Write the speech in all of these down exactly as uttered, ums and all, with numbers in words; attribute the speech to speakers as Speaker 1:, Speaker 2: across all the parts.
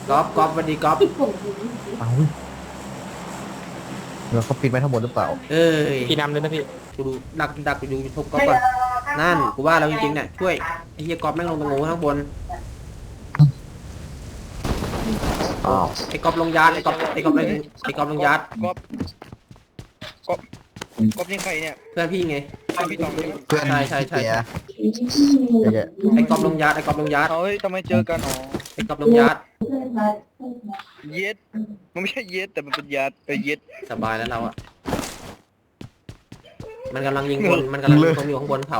Speaker 1: ก๊อฟก๊อฟสวัสดีก๊อฟ
Speaker 2: เอาเดี๋ยวเขาปิดไว้ทั้งหมดหรือเปล่า
Speaker 1: เอ้ย
Speaker 3: พี่นำเลยนะพี่
Speaker 1: กูดูดักดักดูยูทูบก๊อฟก่อนนั่นกูว่าแล้วจริงๆเนี่ยช่วยไอ้เหี้ยก๊อฟแม่งลงตรงงูข้างบน
Speaker 2: อ้าว
Speaker 1: ไอ้ก๊อฟลงยาดไอ้ก๊อฟไอ้ก๊อฟไอ้ก๊อฟลงยาด
Speaker 4: ก๊อฟก๊อฟก๊อฟนี่ใครเนี่ย
Speaker 1: เพื่อนพี่ไง
Speaker 4: ใช่พี่ตองใช่ไหม
Speaker 2: เพื่อน
Speaker 1: ใช่ใช่ใช่
Speaker 2: เสียเจ๊
Speaker 1: ไอ้ก๊อฟลงยาดไอ้ก๊อฟลงยาด
Speaker 4: เฮ้ยทำไมเจอกันอ๋อ
Speaker 1: ไอ้ก๊อฟลงยาด
Speaker 4: เย็ดมันไม่ใช่เย็ดแต่มันเป็นยาดเออเย็ด
Speaker 1: สบายแล้วเราอะมันกำลังยิงคนมันกำลังยิงคนอยู่ข้างบนเขา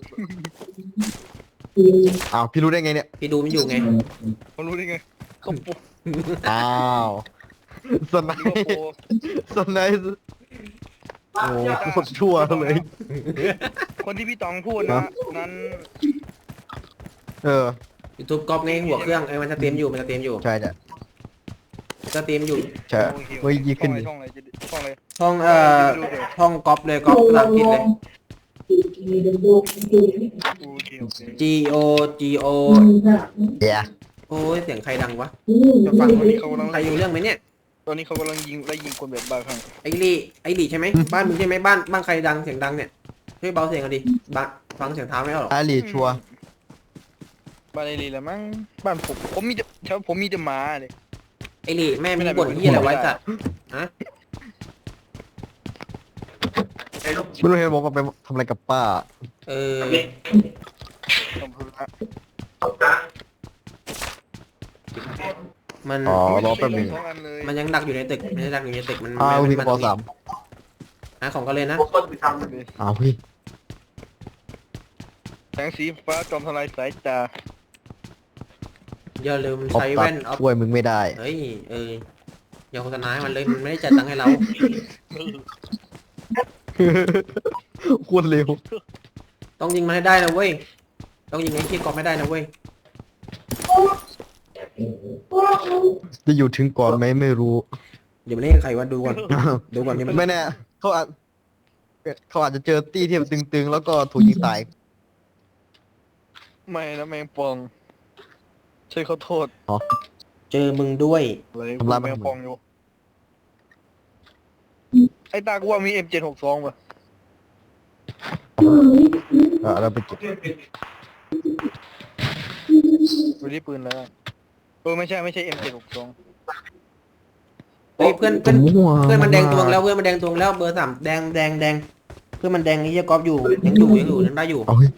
Speaker 2: อ้าวพี่รู้ได้ไงเนี่ย
Speaker 1: พี่ดูไม่อยู่ไง
Speaker 4: มันรู้ได้ไงเขาโป
Speaker 2: อ้าวสไน
Speaker 4: นี่ก็
Speaker 2: ป์
Speaker 4: โป
Speaker 2: สไนป์โอ้โคตรชั่วเลย
Speaker 4: คนที่พี่ตองพูดนะนั้น
Speaker 2: เออ
Speaker 1: ยูทูบก๊อฟไงหัวเครื่องไอ้มันจะเตรียมอยู่มันจะเตรียมอยู่
Speaker 2: ใช่เนี่ย
Speaker 1: จะเตรียมอยู่
Speaker 2: ใช่เฮ้ยยี่ขึ้นดิ
Speaker 4: ช่องอะไรช่องอะไร
Speaker 1: ห้องเอ่อห้องก๊อฟเลยก๊อฟภาษาอังกฤษเลย
Speaker 4: โอเคโอเค
Speaker 1: G O G O
Speaker 2: เดี๋ยว
Speaker 1: โอ้ยเสียงใครดังวะ
Speaker 4: จะฟังตอนนี้เขากำลัง
Speaker 1: ใครอยู่เรื่องไหมเนี่ย
Speaker 4: ตอนนี้เขากำลังยิงไล่ยิงคนแบบบ้าคลั่ง
Speaker 1: ไอ้ลี่ไอ้ลี่ใช่ไหมบ้านมึงใช่ไหมบ้านบ้านใครดังเสียงดังเนี่ยช่วยเบาเสียงกันดิบ้านฟังเสียงเท้าไม่ออกหรอก
Speaker 2: อาลีชัวร์
Speaker 4: บ้านไอรีแหละมั้งบ้านผมผมมีแต่แถวผมมีแต่หมาเลย
Speaker 1: ไอ้ลี่แม่มึงบ่นเฮียอะไรไว้สัตว์ฮะ
Speaker 2: ไม่รู้เห็นบอกว่าไปทำอะไรกับป้า
Speaker 1: เออ
Speaker 4: ต้องพูดนะ
Speaker 1: มัน
Speaker 2: อ๋อรอแป๊บหนึง
Speaker 4: สองอันเลย
Speaker 1: มันยังดักอยู่ในตึกมันยังดักอยู่ในตึกมัน
Speaker 2: อ้าว
Speaker 1: มัน
Speaker 2: พี่กระเป๋าสาม
Speaker 1: หาของกันเลยนะ
Speaker 2: อ้าวพี่
Speaker 4: แสงสีฟ้าจอมทลายสายตา
Speaker 1: อย่าลืม
Speaker 2: ออฟ
Speaker 1: ใช้
Speaker 2: ตั
Speaker 1: แว่
Speaker 2: ด
Speaker 1: นออฟ
Speaker 2: ช่วยมึงไม่ได้
Speaker 1: เฮ้ยเอออย่าโฆษณาให้มันเลยมันไม่ได้จ่ายตังค์ให้เรา
Speaker 2: โคตรเร็ว
Speaker 1: ต้องยิงมันให้ได้นะเว้ยต้องยิงไอ้ที่กอบไม่ได้นะเว้ย
Speaker 2: จะอยู่ถึงก่อนไหมไม่รู้
Speaker 1: เดี๋ยวมันเล่นใครวะดูก่อนดูก่อนยัง
Speaker 2: ไม่แน่เขาอาจเขาอาจจะเจอตี้ที่มันตึงๆ แล้วก็ถูกยิงตาย
Speaker 4: ไม่นะแมงปองใช่ขอโทษ
Speaker 1: เจอมึงด้วย
Speaker 4: อะไร
Speaker 2: ทำร้ายมัน
Speaker 4: แมงปองอยู่ไอ้ตากูว่ามี เอ็ม เจ็ดหกสอง ป่ะ
Speaker 2: เออเราไปเก็บ
Speaker 4: ดูที่ปืนแล้วเออไม่ใช่ไม่ใช่ เอ็ม เจ็ดหกสอง
Speaker 1: เฮ้ยเพื่อนเพื่อน
Speaker 2: มั่ว
Speaker 1: เพื่อนมันแดงตวงแล้วเพื่อนมันแดงตวงแล้วเบอร์สามแดงแดงแดงเพื่อนมันแดงไอ้เหี้ยกอบอยู่ยังอยู่ยังอยู่ยังได้อยู่
Speaker 2: เอาเฮ้ย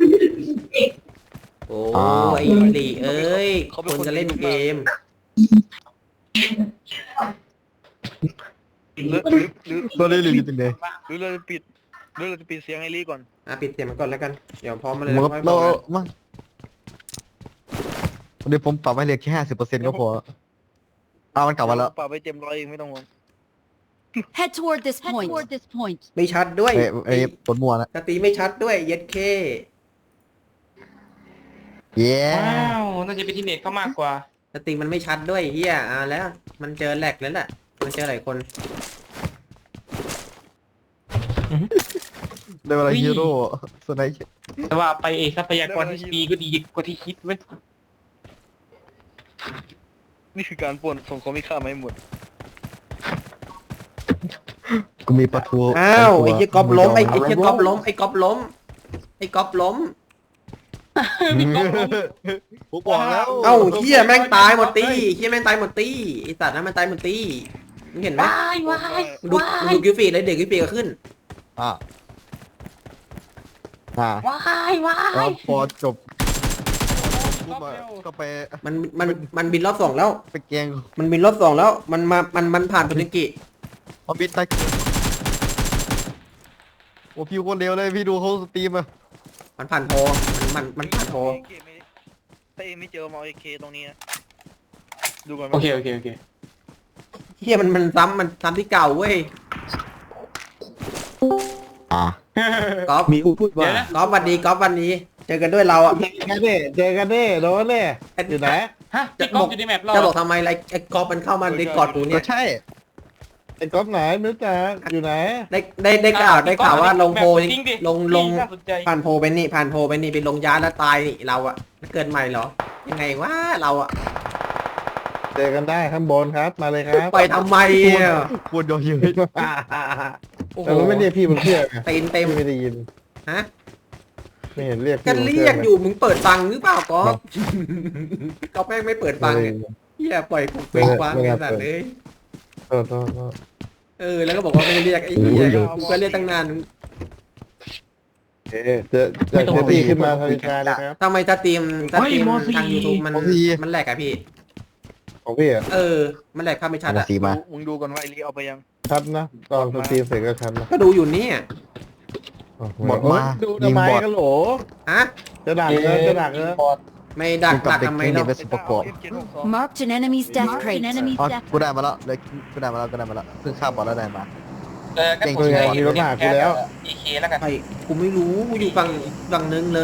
Speaker 1: โอ้
Speaker 2: อ้าว
Speaker 1: ไอ้หลีเอ้ยคนจะเล่นเกม
Speaker 4: หรือหรือหรือ
Speaker 2: ตัวนี้รีบจริงเลย
Speaker 4: หรือเราจะปิดหรือเราจะปิดเสียงไอ้ลี่ก่อน
Speaker 1: อ่ะปิดเสียงมันก่อนแล้วกันเดี๋ยวพร้อมมาเลย
Speaker 2: มันก็
Speaker 1: ค่อยบ
Speaker 2: เรา
Speaker 1: อกนะ
Speaker 2: มาเดี๋ยวผมปรับให้เหลือแค่ห้าสิบเปอร์เซ็นต์ก็พออ้าวมันกลับมาแล้ว
Speaker 4: ป่าไปเต็มร้อยเองไม่ต้องห่วง
Speaker 5: Head toward this point. Toward this point.
Speaker 1: ไม่ชัดด้วย
Speaker 2: เอ้ยเอ้ยปวดมัวนะ
Speaker 1: สตรีไม่ชัดด้วยเย็ดเค
Speaker 2: เย้
Speaker 3: ว้าวน่าจะเป็นที่เน็ตเขามากกว่า
Speaker 1: สตรีมันไม่ชัดด้วยเฮียอ่าแล้ว มันเจอแหลกแล้วแหละมันเจอหลายคน
Speaker 2: ได้เวลาฮีโร่สไนป์
Speaker 3: แต่ว่าไปเอทรัพยากรที่ดีก็ดีกว่าที่คิดเว้ย
Speaker 4: นี่คือการป่วนส่งของมีค่ามาให้หมด
Speaker 2: กูมีปลาทู
Speaker 1: อ้าว
Speaker 2: สงตัว
Speaker 1: ไอ้เหี้ยก๊อปล้มไอ้
Speaker 2: ดง
Speaker 1: ไอ้เหี้ยก๊อปล้มไอ้ก๊อปล้มไอ้ก๊อปล้ม
Speaker 2: ผมบอกแล้ว
Speaker 1: เอ้าเหี้ยแม่งตายหมดตีเหี้ยแม่งตายหมดตีไอ้สัตว์นั้นมันตายหมดตีมึงเห็นไหม
Speaker 5: ว้ายว้าย
Speaker 1: มึงดูมึงดูกิฟฟี่เลยเด็กกิฟฟี่ก็ขึ้น
Speaker 2: อ่ะอ่ะ
Speaker 5: ว้ายว้า
Speaker 2: แล้ว
Speaker 5: ย
Speaker 2: พอจบปุ๊บอะก็ไป
Speaker 1: มันมันมันบินรอบสองแล้ว
Speaker 2: ไปแกง
Speaker 1: มันบินรอบสองแล้วมันมามันมันผ่านโทนิกิ
Speaker 2: พอบินตายโอ้พี่โคตรเร็วเลยพี่ดูเขาสตรีมอะ
Speaker 1: มันผ่านโพมันมันมันผ่านโพ
Speaker 4: ถ้าเอไม่เจอมาเอาเอเคตรงนี้นะดูก่อน
Speaker 3: โอเคโอเคโอเค
Speaker 1: เหี้ยมันมันซ้ำมันซ้ำที่เก่าเว้ย
Speaker 2: อ่ะ
Speaker 1: ก๊อฟ
Speaker 2: มีพูดว่า
Speaker 1: ก๊อฟวันดีก๊อฟวันนี้เจอกันด้วยเราอ่ะ
Speaker 6: เจอกันดิเจอกันดิโดนดิอยู่ไหน
Speaker 3: ฮะพี่ก๊อฟอยู่ในแมปเรา
Speaker 1: จะบอกทำไมไรไอ้ก๊อฟมันเข้ามาในกอดกูเนี่
Speaker 2: ก็
Speaker 1: ย
Speaker 2: ใช่
Speaker 6: ไอ้ก๊อฟไหนไม่รู้จักอยู่ไหน
Speaker 1: ได้ได้ได้ข่าวได้ข่าวว่าลงโพ
Speaker 3: จริงดิ
Speaker 1: ลงลง
Speaker 3: น่าสนใจ
Speaker 1: ผ่านโพไปนี่ผ่านโพไปนี่ไปลงยาแล้วตายนี่เราอะเกิดใหม่เหรอยังไงวะเราอะ
Speaker 6: เจอกันได้ข้างบนครับมาเลยครับ
Speaker 1: ไปทำไมอ่ะ
Speaker 2: ควรยอเยอะ
Speaker 1: โอ้โห
Speaker 6: แต่เราไม่เรียกพี่บนเครื่องไง
Speaker 1: ตีนเต็ม
Speaker 6: พี่ไม่ได้ยิน
Speaker 1: ฮะ
Speaker 6: ไม่เห็นเรียก
Speaker 1: ก็
Speaker 6: พี่บนเค
Speaker 1: เรี
Speaker 6: รื่
Speaker 1: ย
Speaker 6: อก ง
Speaker 1: อยู่มึงเปิดฟังหรือเปล่าก๊อฟก๊อฟแม่งไม่เปิดฟังเนี่ยเฮียปล่อยกูเปิดฟังไอ้สัตว์เลย
Speaker 6: โทษโทษโทษ
Speaker 1: เออแล้วก็บอกว่าไม่ได้เรียกไอ้เหี้ยกูก็เรียกตั้งนาน
Speaker 6: เอ๊ะเจอเจอเจอพี่ขึ้นมาทวิชาเลยครับ
Speaker 1: ทำไมสตรีมสตรีมทาง YouTube มันมันแหลกอะพี่
Speaker 6: ของพี่อ่ะ
Speaker 1: เออ มันแหลกภาพไม่ชัดอะ
Speaker 2: สีมา
Speaker 4: มึงดูก่อนว่าไอรีเอาไปยัง
Speaker 6: ชัดนะตอนสตรีมเสร็จก็ชัดนะ
Speaker 1: ก็ดูอยู่เนี่ย
Speaker 2: หมดมา
Speaker 6: ดู
Speaker 2: ยิ
Speaker 6: ทำ
Speaker 2: ง
Speaker 6: ไม
Speaker 2: บอด
Speaker 6: กันโหล
Speaker 1: ฮะ
Speaker 6: จะดักเออจะดักเออ
Speaker 1: ไม่ดัก
Speaker 2: กับ
Speaker 1: ดัก
Speaker 2: เด็ก
Speaker 1: ทำไม
Speaker 2: เด็
Speaker 1: เรา
Speaker 2: กเป็นสุประกอบ
Speaker 5: Marked an enemy's death crate. Enemy's
Speaker 2: อ๋อ
Speaker 5: death
Speaker 2: กูได้มาแล้วเลยกูได้มาแล้วกูได้มาแล้วเพิ่งข้ามบอลแล้วได้มา
Speaker 3: เออก็
Speaker 2: เก่ง
Speaker 3: ผม
Speaker 2: จริง
Speaker 3: ใช้
Speaker 6: มีรถมาหากูแล้ว
Speaker 3: เอเคแล้วกัน
Speaker 1: ไอ้กูไม่รู้กูอยู่ฝั่งฝั่งนึงเลย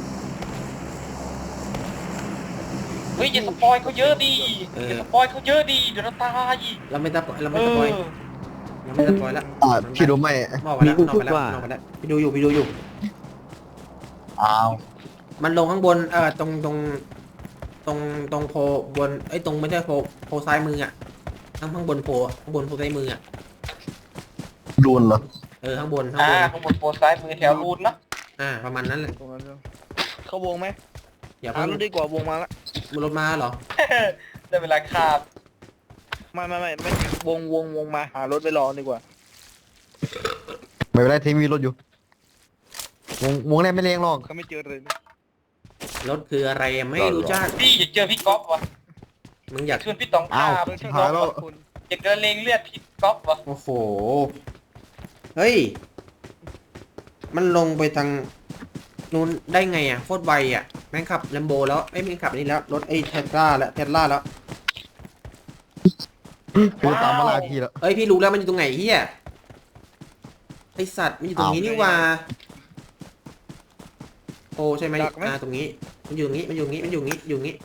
Speaker 3: เฮ้ยอย่าสปอยเขาเยอะดีอย่าสปอยเขาเยอะดีเดี๋ยวเราตาย
Speaker 1: เราไม่ตะเรา
Speaker 3: เอ
Speaker 1: ไม่ตะปอย
Speaker 3: อ
Speaker 1: เราไม่ตะปอยแล้ว
Speaker 2: อ่าพี่รู้ไหม
Speaker 1: มอกไปแล้วนอกไปแล้วนอกไปแล้วพี่ดูอยู่พี่ดูอยู่
Speaker 2: อ้าว
Speaker 1: มันลงข้างบนเออตรงตรงตรงตรงโพบนไอ้ยตรงไม่ใช่โพโพซ้ายมืออะข้างข้างบนโพข้างบนโพซ้ายมืออะ
Speaker 2: โดนเหรอ
Speaker 1: เออข้างบนข้าง
Speaker 3: อ่า
Speaker 1: บน
Speaker 3: ข้างบนโพซ้ายมือแถวรูนเนาะ
Speaker 1: อ่าประมาณนั้นแหละ
Speaker 4: ตรงนั้นเลยเข้าวงไหม
Speaker 1: อย่า
Speaker 4: หา
Speaker 1: เพิ่ง
Speaker 4: รถดีกว่าวงมาละ
Speaker 1: บนรถมาเหรอ
Speaker 3: ได้เวลาคาบ
Speaker 4: ไม่ไม่ไม่ไม่วงวงวงมาหารถไปรอดีกว่า
Speaker 2: ไม่เป็นไรทีมีรถอยู่วงวงแรกไม่เลี้ยงหรอก
Speaker 4: เขาไม่เจอเลย
Speaker 1: รถคืออะไรอะไม่รู้จัก
Speaker 3: พี่อยากเจอพี่ก๊อฟวะ
Speaker 1: มึงอยาก
Speaker 3: ชวนพี่ตองคาบ
Speaker 2: หายแล้ว
Speaker 3: อยากเดินเลงเลือดพี่ก๊อฟวะ
Speaker 1: โอ้โหเฮ้ยมันลงไปทางนู้นได้ไงอ่ะโคตรไวอ่ะแม่งขับแลมโบแล้วไอ้ยแม่งขับอันนี้แล้วรถไอ้เทสลาแล้วเทสลาแล้ว
Speaker 2: คือตามมาลาพี่แล้ว
Speaker 1: เอ้ยพี่รู้แล้วมันอยู่ตรงไหนเฮียไอสัตว์มันอยู่ตรงนี้นี่หว่าโอ้ใช่ไหมอ่าตรงนี้มันอยู่ตรงนี้มันอยู่ตรงนี้มันอยู่ตรงนี้อยู่ตรงนี้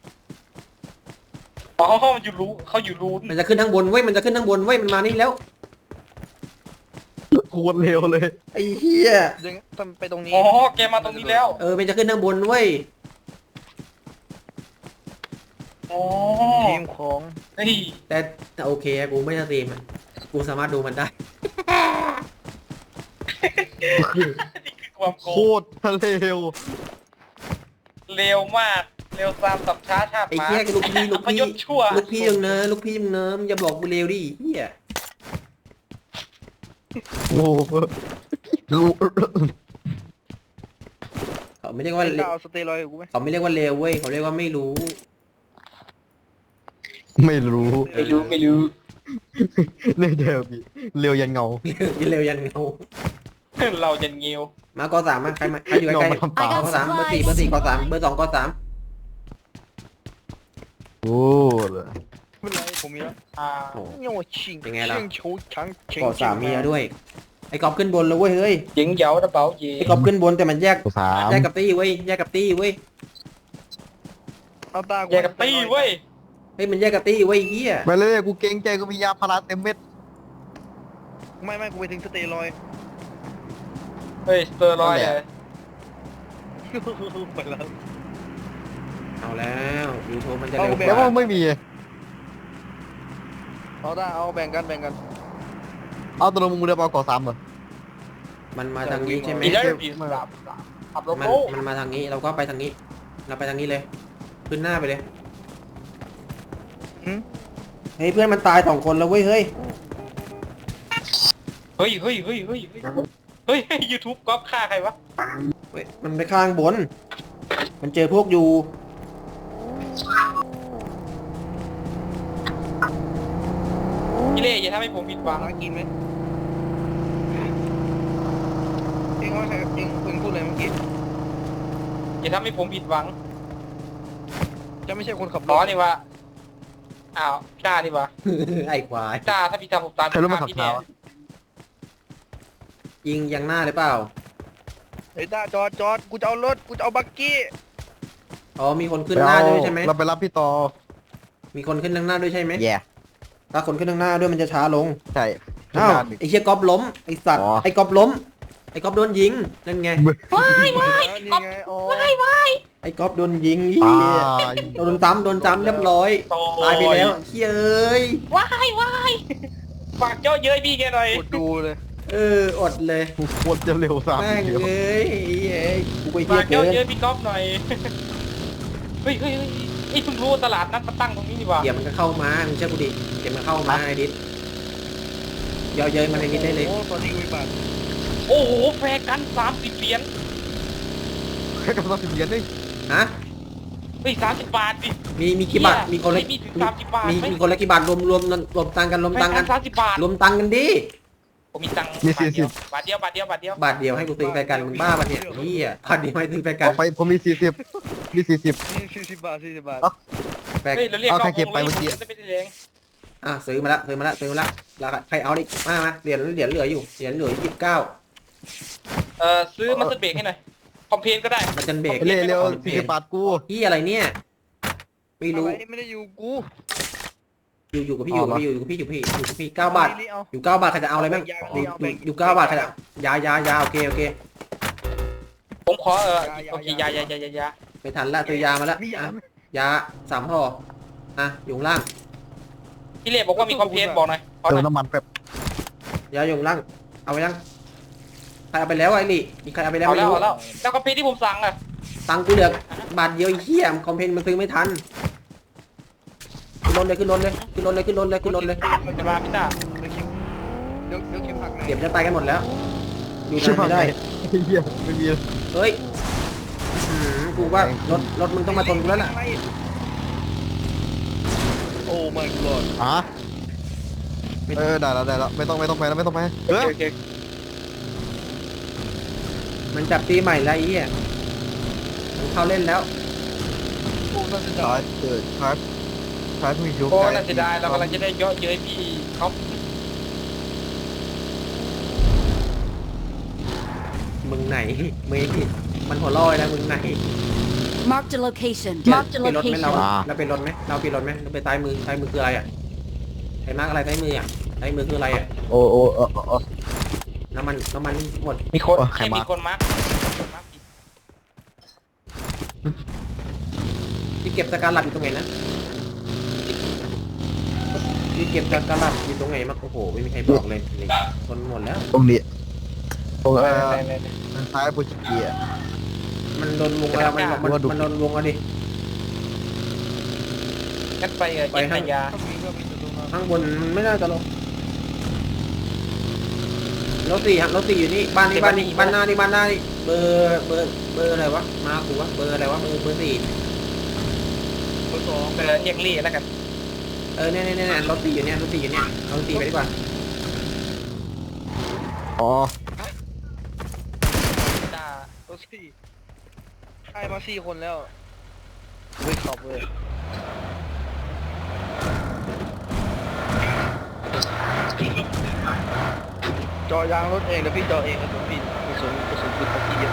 Speaker 3: อ๋อมันอยู่รูเขาอยู่รูน
Speaker 1: มันจะขึ้นข้างบนเว้ยมันจะขึ้นข้างบนเว้ยมันมานี่แล้ว
Speaker 2: โคตรเร็วเลย
Speaker 1: ไอ้เฮีย
Speaker 4: เดี๋ยวต้องไปตรงนี้
Speaker 3: อ๋อแกมาตรงนี้แล้ว
Speaker 1: เออมันจะขึ้นข้างบนเว้ย
Speaker 3: อ๋อ
Speaker 4: ทีมของ
Speaker 3: เฮ้ย
Speaker 1: แต่แต่โอเคอะกูไม่สตรีมอะกูสามารถดูมันได้
Speaker 3: นี่คือความโก
Speaker 2: โค
Speaker 3: ง
Speaker 2: ตรเร็ว
Speaker 3: เร็วมากเร็วตามสับช้าชาติ
Speaker 1: ไอ้
Speaker 3: หมา
Speaker 1: เฮียลูกพี่ลูก
Speaker 3: พ
Speaker 1: พี่
Speaker 3: ยศชั่ว
Speaker 1: ลูกพี่ยังเนอะลูกพี่ยังเนอะมึงอย่าบอกกูเร็วดิเฮีย
Speaker 2: โอ้โหรู้
Speaker 1: เขาไม่เรียกว่า
Speaker 4: ไอ้ดาวสเตียรอยด์กับกูไหม
Speaker 1: เขาไม่เรียกว่าเร็วเว้ยเขาเรียกว่าไม่รู้
Speaker 2: ไม่รู้
Speaker 3: ไม่รู้ไม่รู้
Speaker 2: เร็วเดียวพี่เร็วยันเงา
Speaker 1: เร็วยันเงา
Speaker 3: เราจะเงียว
Speaker 1: มากอสามมาใครมาใครอยู่ใกล้
Speaker 2: เงามาทำ
Speaker 1: ๆ
Speaker 2: ปาก
Speaker 1: กอสามเบอร์สี่เบอร์สี่กอสามเบอร์สองกอสาม
Speaker 2: โอ้เลย
Speaker 4: ไม่เป็นไรผมมีแล้ว
Speaker 3: อ่า
Speaker 1: โอ้
Speaker 4: เนี่ยว่าชิง
Speaker 1: เป็นไงล่ะ
Speaker 4: ชิงชูช้างเชิง
Speaker 1: กอสามมีแล้วด้วยไอ้กอบขึ้นบนแล้วเว้ยเฮ้ย
Speaker 3: จิงเหยาระเป๋าเย่
Speaker 1: ไอ้กอบขึ้นบนแต่มันแยก
Speaker 2: สาม
Speaker 1: แยกกับตี้เว้ยแยกกับตี้เว้ย
Speaker 4: เอาตา
Speaker 3: แยกกับตี้เว้ย
Speaker 1: เฮ้ยมันแยกกับตี้เว้ยเฮีย
Speaker 2: ไปเลยกูเกรงใจกูมียาพาราเต็มเม็ด
Speaker 4: ไม่ไม่กูไปถึงสเตียรอยด์
Speaker 3: เฮ้ยสเตอร์รอยด์เลย
Speaker 4: ไปแล้ว
Speaker 1: เอาแล้วยูทูบมันจะเร็วก
Speaker 2: แล้ว
Speaker 1: ว่า
Speaker 2: มันไม่มี
Speaker 4: เอาตาเอาแบ่งกันแบ่งกัน
Speaker 2: เอาตัวลงมึงเรือเปล่าก่อสามเหรอ
Speaker 1: มันมาทางนี้ใช่ไหม
Speaker 3: มีได้ปีสามขับรถ
Speaker 1: มัน
Speaker 3: โอ้
Speaker 1: มันมาทางนี้เราก็ไปทางนี้ เราไปทางนี้เลย ขึ้นหน้าไปเลยเฮ้ยเพื่อนมันตายสองคนแล้วเว้ยเฮ้ย
Speaker 3: เฮ้ยเฮ้ยเฮ้ยเฮ้ยเฮ้ยเฮ้ยยูทูบก๊อปฆ่าใครวะ
Speaker 1: เว้ยมันไปข้างบน มันเจอพวกอยู่
Speaker 3: พี่เล่อย่าทำให้ผมผิดหวัง
Speaker 4: หากินไหมเองว่าใครเองเองพูดอะไรเมื่อกี้
Speaker 3: อย่าทำให้ผมผิดหวัง
Speaker 4: จะไม่ใช่คนขับร
Speaker 3: ล้อ
Speaker 4: ถ
Speaker 3: นี่วะอ้าวจ้านี่วะ
Speaker 1: ไอ้ควาย
Speaker 3: จ้าถ้าพี่ทำผมตาม
Speaker 2: ใครรู้มาขับ
Speaker 3: พี่
Speaker 2: เท้า
Speaker 3: แน่
Speaker 1: ยิงยังหน้าหรือเปล่า
Speaker 4: ไอ้ตาจอดจอดกูจะเอารถกูจะเอาบักกี้
Speaker 1: อ๋อมีคนขึ้นหน้าด้วยใช่ไหม
Speaker 2: เราไปรับพี่ต่อ
Speaker 1: มีคนขึ้นข้างหน้าด้วยใช่ไหม
Speaker 2: แย่
Speaker 1: ถ้าคนขึ้นข้างหน้าด้วยมันจะช้าลง
Speaker 2: ใช่
Speaker 1: อ้าวไอ้เชี่ยก๊อฟล้มไอ้สัตว์
Speaker 2: อ๋อ
Speaker 1: ไอ้ก๊อฟล้มไอ้ก๊อฟโดนยิงนั่นไง
Speaker 3: ว้ายว้าย
Speaker 4: นี่ไงอ๋อ
Speaker 3: ว้ายว้าย
Speaker 1: ไอ้ก๊อฟโดนยิงเหี้
Speaker 2: ตาย
Speaker 1: โดนจ้ำโดนจ้ำเรียบร้อย
Speaker 3: โอ้
Speaker 1: ตายไปแล้วเฮ้ยเอ้ย
Speaker 3: ว้ายว้ายฝากเจ้าเย้ยพี่แกหน่อย
Speaker 4: กดดูเลย
Speaker 1: เอออดเลย
Speaker 2: กูโคตรจะเร็วสาม
Speaker 1: แม่ง
Speaker 2: เดียว
Speaker 1: เอ้ยเอ้ยกูไปเฮี
Speaker 3: ฝาย ก
Speaker 1: เกิ
Speaker 3: เจ้าน เย้ยพี่ก๊อฟหน่อยเฮ้ยเฮ้ยเฮ้ยไอ้เพิ่งรู้ว่าตลาดนัดมาตั้งตรงนี้นี่หว่า
Speaker 1: เดี๋ยวมันก็เข้ามามึงเชื่อกูดิเดี๋ยวมันเข้ามาไอ้ดิสเยอะเย้ยมันในนี้ได้เลย
Speaker 4: โอ้ตอนนี้มีบาท
Speaker 3: โอ้โหแฟร์กันสามสิบเหรียญ
Speaker 2: แค่กำลังสิบเหรียญนี่
Speaker 1: ฮะ
Speaker 3: เฮ้ยสามสิบบาทดิ
Speaker 1: มีมีกี่บาท
Speaker 3: เหี้ย
Speaker 1: มีคนละ
Speaker 3: มีถึงสามสิบบาท
Speaker 1: มี
Speaker 3: ไหม
Speaker 1: มีคนละกี่บาทรวมรวมรวมตังค์กันรวม
Speaker 3: แฟ
Speaker 1: ตัง
Speaker 3: ร์
Speaker 1: ค์
Speaker 3: กั
Speaker 1: กัน น
Speaker 3: สามสิบบาท
Speaker 1: รวมตังค์กันดิ
Speaker 3: ผมมีตังค์
Speaker 2: มีสี่สิบบ
Speaker 3: าทเดียวบาทเดียวบาทเดียว
Speaker 1: บาทเดียวให้กูซื้อไปกันมึงบ้าปะเนี่ยเฮียบาทเดียวให้ซื้อไปกั
Speaker 2: ต่
Speaker 1: น
Speaker 2: อไปผมมีสี่สิบมีสี่สิบ
Speaker 4: นี่สี่สิบบาทสี่สิบบาท
Speaker 1: แปลก
Speaker 3: เฮ้ยเราเรียก
Speaker 2: เอา
Speaker 3: น
Speaker 2: ใคร
Speaker 3: อก
Speaker 2: เก็บไป
Speaker 3: วง
Speaker 2: เมื่อกี้
Speaker 3: จะไม่ได้แรง
Speaker 1: อ่ะซื้อมาละซื้อมาละซื้อมาละแล้วใครเอาดิมามาเหรียญเหรียญเหลืออยู่เหรียญเหลือยี่สิบเก้า
Speaker 3: เอ่อซื้อมาสเตอร์เบรกให้หน่อยคอมเพลนก็ได้
Speaker 1: มันจันเบรก
Speaker 2: เร็วเร็วสี่สิบบาทกู
Speaker 1: ที่อะไรเนี่ยไม่รู้
Speaker 4: อะไรไม่ได้อยู่กู
Speaker 1: อยู่อยู่กับพี่อยู่กับพี่อยู่กับพี่อยู่กับพี่อยู่กับพี่เก้าบาท
Speaker 4: นี่เอา
Speaker 1: อยู่เก้าบาทใครจะเอาอะไรบ้างอยู่อยู่อยู่เก้าบาทใครจะยายายาโอเคโอเค
Speaker 3: ผมขอเออโอเคยายายายายา
Speaker 1: ไม่ทันละตัวยามาละ
Speaker 4: มี
Speaker 1: อ่ะ
Speaker 4: ยาไหม
Speaker 1: ยาสามห่ออ่ะอยู่ข้างล่าง
Speaker 3: พี่เล่บอกว่ามีคอมเพลนบอกหน่อยขอห
Speaker 2: เติ
Speaker 3: น่
Speaker 2: ม
Speaker 3: อย
Speaker 2: น้ำมันแป๊บ
Speaker 1: ยาอยู่ข้างล่างเอาไปยังใครเอาไปแล้วไอ้ลี่มีใครเอาไปแล้ว
Speaker 3: เอา
Speaker 1: ไม่
Speaker 3: แล้ว
Speaker 1: รู้
Speaker 3: เอาแล้วแล้วคอมเพลนที่ผมสั่งอ่ะ
Speaker 1: ตังค์กูเหลือบาทเดียวไอ้เหี้ยคอมเพนมันซื้อไม่ทันขึ้นรถเลยขึ้นรถเลยขึ้นรถเลยขึ้นรถเลยขึ้นรถเลย
Speaker 3: จะมาพี่ตา
Speaker 4: เดี๋ยวเดี๋ยวเข็มผักไหน
Speaker 1: เก็บจะตายกันหมดแล้วอยู่
Speaker 2: ชิบ
Speaker 1: นาน
Speaker 2: หาย
Speaker 1: ไม่ได้
Speaker 2: เฮียไม่มี
Speaker 1: เฮ้ยอื้อหือกูว่ารถรถมึงต้องมาชนกูแล้วล่ะ
Speaker 4: โอ้ my god
Speaker 2: อ่ะเออได้แล้วได้แล้วไม่ต้องไม่ต้องไปแล้วไม่ต้องไปเออ
Speaker 3: โอเค
Speaker 1: มันจับตีใหม่แล้วไอ้เหี้ยมันเข้าเล่นแล้ว
Speaker 4: โอ้น่าจะ
Speaker 2: ตา
Speaker 4: ได้
Speaker 2: ยเกิดครับครับมีอยู่
Speaker 3: โอ้น่าเสียดายเรากำลังจะได้เยอะเย้ยพี่เขา
Speaker 1: มึงไหนเมย์มันหัวลอยแล้วมึงไหน
Speaker 5: Marked a location.
Speaker 1: เปลี่ยน
Speaker 5: Marked a
Speaker 1: เปลี่ยนรถไหมเรา
Speaker 5: location.
Speaker 1: เราเป็นรถไหมเราเป็นรถไหมเราไปซ้ายมือซ้ายมือคืออะไรอ่ะไอ้มาร์กอะไรซ้ายมืออ่ะซ้ายมือคืออะไรอ่ะ
Speaker 2: โอ้โอ้เออเออ
Speaker 1: น้ำมันน้ำมันหมด
Speaker 3: มีคน
Speaker 2: โอ้ใคร
Speaker 3: ให้
Speaker 2: มา
Speaker 3: มีคนมาร์คคนมาร์คผิด
Speaker 1: ที่เก็บสการลัดอยู่ตรงไหนนะที่เก็บสการลัดอยู่ตรงไหนมั้งโอ้โหไม่มีใครบอกเลยนี่คนหมดแล้ว
Speaker 2: ตรงนี้ตรงเออ
Speaker 3: ไปไปไป
Speaker 2: ทางซ้ายปุชเกีย
Speaker 1: มันโดนวงแล้วมันมันมันโดนวงแล้วดิ
Speaker 3: งั้นไปเออ
Speaker 1: ไป
Speaker 3: เย็น
Speaker 1: ให้
Speaker 3: นายา
Speaker 4: ถ้ามีก็มีแต่ตรงนั้น
Speaker 1: ข้างบนมันไม่น่าจะลงรถสี่ฮะรถสี่อยู่นี่บ้านนี้บ้านนี้บ้านหน้านี่บ้านหน้านี่เบอร์เบอร์เบอร์อะไรวะมากูวะเบอร์อะไรวะเบอร์เบอร์สี่
Speaker 4: เบอร์สอง
Speaker 3: เออเรียกลี่แล้วกัน
Speaker 1: เออเนี่ยเนี่ยเนี่ยรถสี่อยู่เนี่ยรถสี่อยู่เนี่ยเอารถสี่ไปดีกว่า
Speaker 2: อ๋อ
Speaker 3: จ้า
Speaker 4: ตัวสี่ไอ้มาสี่คนแล้วเว้ยขับเลยจอยางรถเองเดี๋ยวพี่จอเองกระสุนพี่กระสุนกระสุนปืนของพี่เยอะ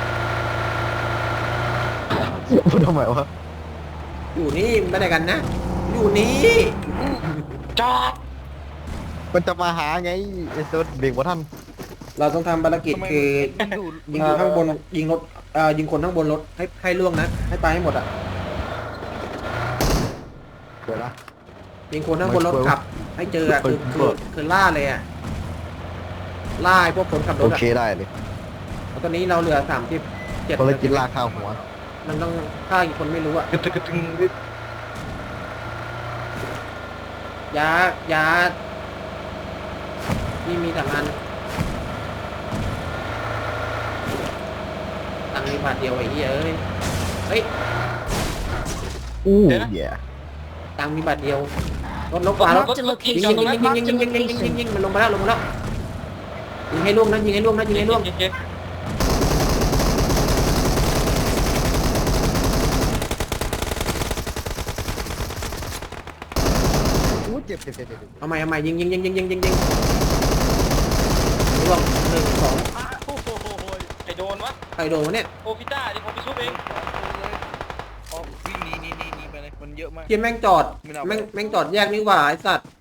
Speaker 2: พูดทำไมวะ
Speaker 1: อยู่นี่ไม่ได้กันนะ อยู่นี่
Speaker 3: จอด
Speaker 2: มันจะมาหาไงไอ้เซิร์ชเบรกว่าท่าน
Speaker 1: เราต้องทำภารกิจคือ
Speaker 4: มันดูด
Speaker 1: ยิงอยู่ข้างบนยิงรถเอ่อยิงคนข้างบนรถให้ให้ล่วงนะให้ตายให้หมดอ่ะ
Speaker 2: เดี๋ยวนะ
Speaker 1: ยิงคนข้างบนรถขับ ให้เจออ่ะคือคือคือล่าเลยอ่ะล่าไอ้พวกคนขับร
Speaker 2: โอ
Speaker 1: ถอ่ะ
Speaker 2: เคได้เลย
Speaker 1: แล้วตอนนี้เราเหลือสามสิบเจ็ด
Speaker 2: ภารกิจลากข้าวหัว
Speaker 1: มันต้องฆ่าอีกคนไม่รู้อ่ะ
Speaker 3: กระตึกกระตึง
Speaker 1: ยายานี่มีสามอันตังค์มีบาทเดียวไอ้เหี้ยเอ้ยเฮ้ย
Speaker 2: อู้แย่
Speaker 1: ตังค์มีบาทเดียวรถลบฟ้ารถ
Speaker 5: Marked a
Speaker 1: ยิง
Speaker 5: location.
Speaker 1: ยิงยิงยิงยิง
Speaker 5: Marked
Speaker 1: ยิ
Speaker 5: a
Speaker 1: งยิงยิงยิงยิง
Speaker 5: location.
Speaker 1: ยิงมันลงมาแล้วลงมาแล้วยิงให้ล่วงนะยิงให้ล่วงนะยิงให้ล่วง
Speaker 3: เย็น
Speaker 2: อู้เจ็บเจ็บเจ็บเจ็บ
Speaker 1: เอาใหม่เอาใหม่ยิงยิงยิงยิงยิงยิงยิงล่วงหนึ่งสอง
Speaker 3: โอ้โหไอโดนวะ
Speaker 1: ใครโดนวะเนี่ย
Speaker 3: โอพิต้าเดี๋ยวผมไปชุบเอง
Speaker 4: อ๋อวิ่งหนีหนีหนีหนีไปเลยมันเยอะมาก
Speaker 1: เฮียแม่งจอดแม่งแม่งจอดแยกนี่หว่าไอ้สัตว์